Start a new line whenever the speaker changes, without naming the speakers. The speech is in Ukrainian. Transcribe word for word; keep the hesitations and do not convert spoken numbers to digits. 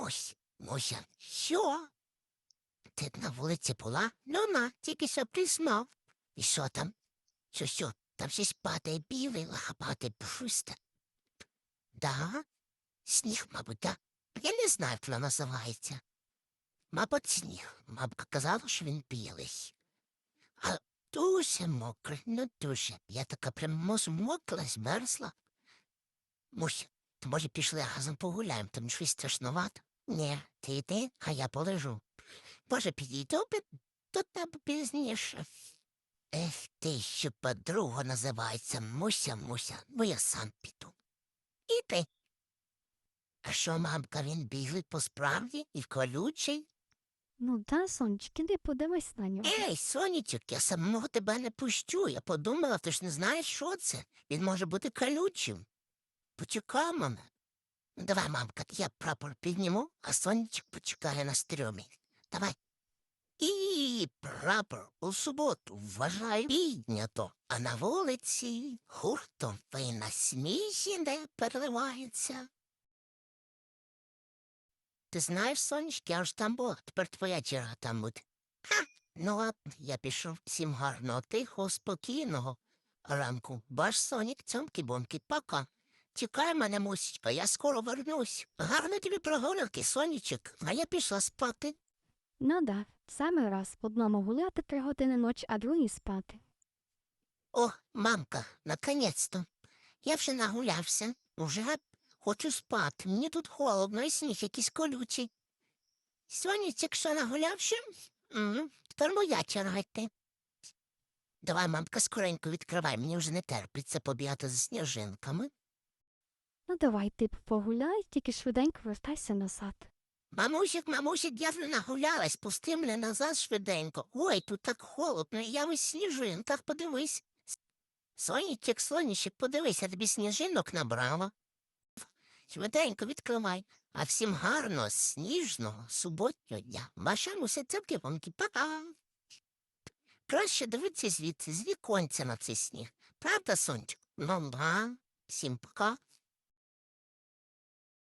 Ось, Муся, що? Ти на вулиці була? Ну на, тільки що признав. І що там? Що, що, там щось падає білий, лахапатий просто. Да? Сніг, мабуть, да? Я не знаю, як воно називається. Мабуть, сніг. Мабуть, казала, що він білий. А дуже мокрий, ну дуже. Я така прям змокла, змерзла. Муся, то може пішли разом погуляємо, там щось страшновато? Ні, ти йди, а я полежу. Може, підійду до тебе пізніше. Ех, ти, що подруга називається Муся, Муся, ну я сам піду. Іди. А що, мамка, він білий по справді і колючий?
Ну да, сонечки, іди подивись на нього.
Ей, сонечок, я самого тебе не пущу. Я подумала, ти ж не знаєш, що це. Він може бути колючим. Почекай мене. Ну, давай, мамка, я прапор підніму, а сонечок почекає на стрьомі. Давай. І прапор у суботу вважаю піднято, а на вулиці гуртом ви на сміхі не переливається. Ти знаєш, сонечки, я ж там була, тепер твоя черга там буде. Ха, ну ладно, я пішов. Всім гарного, тихого, спокійного ранку. Ваш сонік, цьомки-бомки, пока. Чекай мене, мусічка, я скоро вернусь. Гарно тобі прогулянки, сонечок, а я пішла спати.
Ну да, саме раз в одному гуляти три години ночі, а другій спати.
О, мамка, наконець-то. Я вже нагулявся, уже хочу спати. Мені тут холодно і сніг якийсь колючий. Сонечок, що нагулявся? М, Тепер моя черга йти. Давай, мамка, скоренько відкривай, мені вже не терпиться побігати за сніжинками.
Ну давай, ти погуляй, тільки швиденько вертайся назад.
Мамусик, мамусик, я вже нагулялась, пусти мене назад швиденько. Ой, тут так холодно, я весь в сніжинках, подивись. Сонечек, сонечек, подивись, я тобі сніжинок набрала. Швиденько відкривай. А всім гарного, сніжного, суботнього дня. Ваша муся цепки-вонки, пока. Краще дивитися звідси, з віконця на цей сніг. Правда, сонечко? Ну, да. Всім пока.